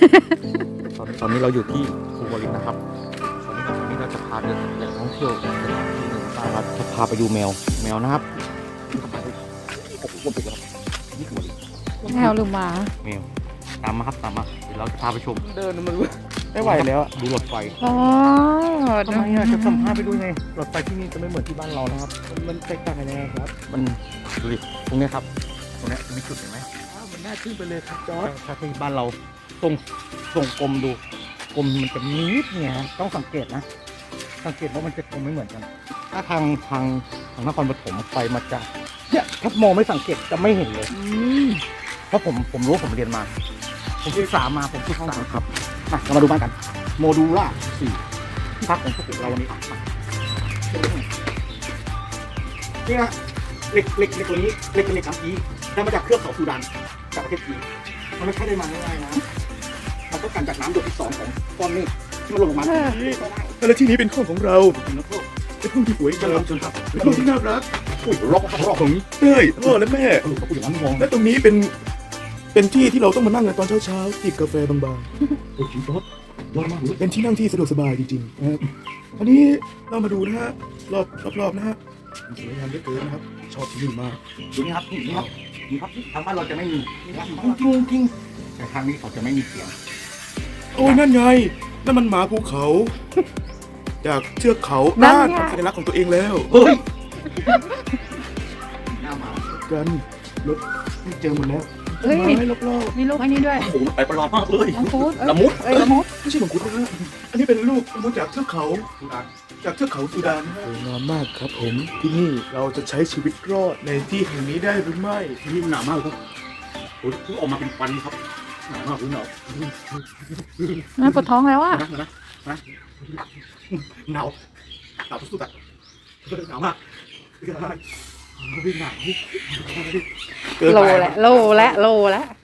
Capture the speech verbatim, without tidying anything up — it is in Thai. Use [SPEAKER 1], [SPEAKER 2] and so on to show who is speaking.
[SPEAKER 1] ตอนตอนนี้เราอยู่ที่ภูวรินทร์นะครับตอนนี้ตอนนี้เราจะพาเดินแหล่งท่องเที่ยวสถานที่หนึ่งเราจะพาไปดูแมวแมวนะครับโอ้โหเป็นแล้วนี่คือ
[SPEAKER 2] แมวหรือหมา
[SPEAKER 1] แมวตามมาครับตามมาเดี๋ยวเราจะพาไปชม
[SPEAKER 3] เดินมันไม่ไหวแล้วอะ
[SPEAKER 1] ดูรถไฟ
[SPEAKER 2] อ๋อ
[SPEAKER 1] ทำไมอ่ะจะสัมภาษณ์ไปดูไงรถไฟที่นี่จะไม่เหมือนที่บ้านเรานะครับ
[SPEAKER 3] มันมันแตกต่างกันยังไงครับ
[SPEAKER 1] มันดูดิตรงเนี้ยครับตรงเนี้ยจะมีจุดเห็นไหม
[SPEAKER 3] อ้าวมันน่าขึ้นไปเลยครับจอร์ด
[SPEAKER 1] ถ้าที่บ้านเราตรงตรงกลมดูกลมมันจะมีนิดเนี่ยต้องสังเกตนะ สังเกตว่ามันจะกลมไม่เหมือนกัน ถ้าทางทางทางนครปฐมไฟมันจะเนี่ยถ้ามองไม่สังเกตจะไม่เห็นเลย
[SPEAKER 2] อืม
[SPEAKER 1] เพราะผมผมรู้ผมเรียนมา ผมศึกษามาผมศึกษาครับมาเรามาดูบ้านกัน โมดูล่าสี่ที่พักของพวกเราวันนี้นี่นะเหล็กเหล็กเหล็กตัวนี้เหล็กเป็นเหล็กน้ำอีได้มาจากเครือเขาซูดานจากประเทศจีนมันไม่ใช่ได้มาง่ายๆนะมันต้องการจากน้ำหยดที่สองของก้อนเมฆที่มันหล่นลงมา
[SPEAKER 3] แล้วที่นี้เป็นห้องของเรา
[SPEAKER 1] เป็นนักโทษ
[SPEAKER 3] เป็นห้องที่สวย
[SPEAKER 1] เชิ
[SPEAKER 3] งา
[SPEAKER 1] ญ
[SPEAKER 3] ม
[SPEAKER 1] เชิญครับ
[SPEAKER 3] เป็นห้องที่น่ารัก
[SPEAKER 1] อุ้ยรอบรอบ
[SPEAKER 3] ของเต้ยพ่อและแม่
[SPEAKER 1] เออเขาพูดอย่างนั้นมอง
[SPEAKER 3] และตรงนี้เป็นเป็นที่ที่เราต้องมานั่งกันตอนเช้าๆจิบกาแฟบาง
[SPEAKER 1] โอ้ยรถรถมากเลย
[SPEAKER 3] ๆเป็นที่นั่งที่สะดวกสบายจริงๆนะครับอันนี้เรามาดูนะฮะรอบรอบๆนะฮะสวยงามเหลือเกินนะครับชอบที่นี่มาก
[SPEAKER 1] ดูนี่ครับนี่ครับนี่ครับทางบ้านเราจะไม่มีจริงจริงจริงแต่ทางนี้เขาจะไม่มีเสียง
[SPEAKER 3] โอ้ยนั่นไงนั่นมันหมาภูเขา จากเชือกเขา
[SPEAKER 2] นั่น
[SPEAKER 3] น่าน
[SPEAKER 2] ไง
[SPEAKER 3] ทำสัญลักษณ์ของตัวเองแล้ว
[SPEAKER 1] เฮ้ยหน้าหมา
[SPEAKER 3] กันรถไม่เจอหมดแล้ว
[SPEAKER 2] เฮ้ย
[SPEAKER 3] ไม้รอบ
[SPEAKER 2] มีลูกอันนี้ด้วย
[SPEAKER 1] โอ้โหไปประหลาดมากเลย
[SPEAKER 2] มังคุดเอ้ย
[SPEAKER 1] ละมุด
[SPEAKER 2] เอ้ยละมุด
[SPEAKER 3] ๆไม่ใช่มังคุดนะฮะอันนี้เป็นลูกมังคุดจากเทือกเขาจากเทือกเขาสุดานนะฮะสวยงามมากครับผมที่นี่เราจะใช้ชีวิตรอดในที่แห่งนี้ได้หรือไม่
[SPEAKER 1] นี่หนาวมากเลยครับโอ้ยเพิ่งออกมาเป็นควันครับหนาวมากเลยหนาว
[SPEAKER 2] น่าปวดท้องแล้วอ่ะ
[SPEAKER 1] นะนะนะหนาวหนาวสุดๆอ่ะหนาวมากหนาว
[SPEAKER 3] เกิน
[SPEAKER 2] โล
[SPEAKER 3] ไป
[SPEAKER 2] และโลและโลและ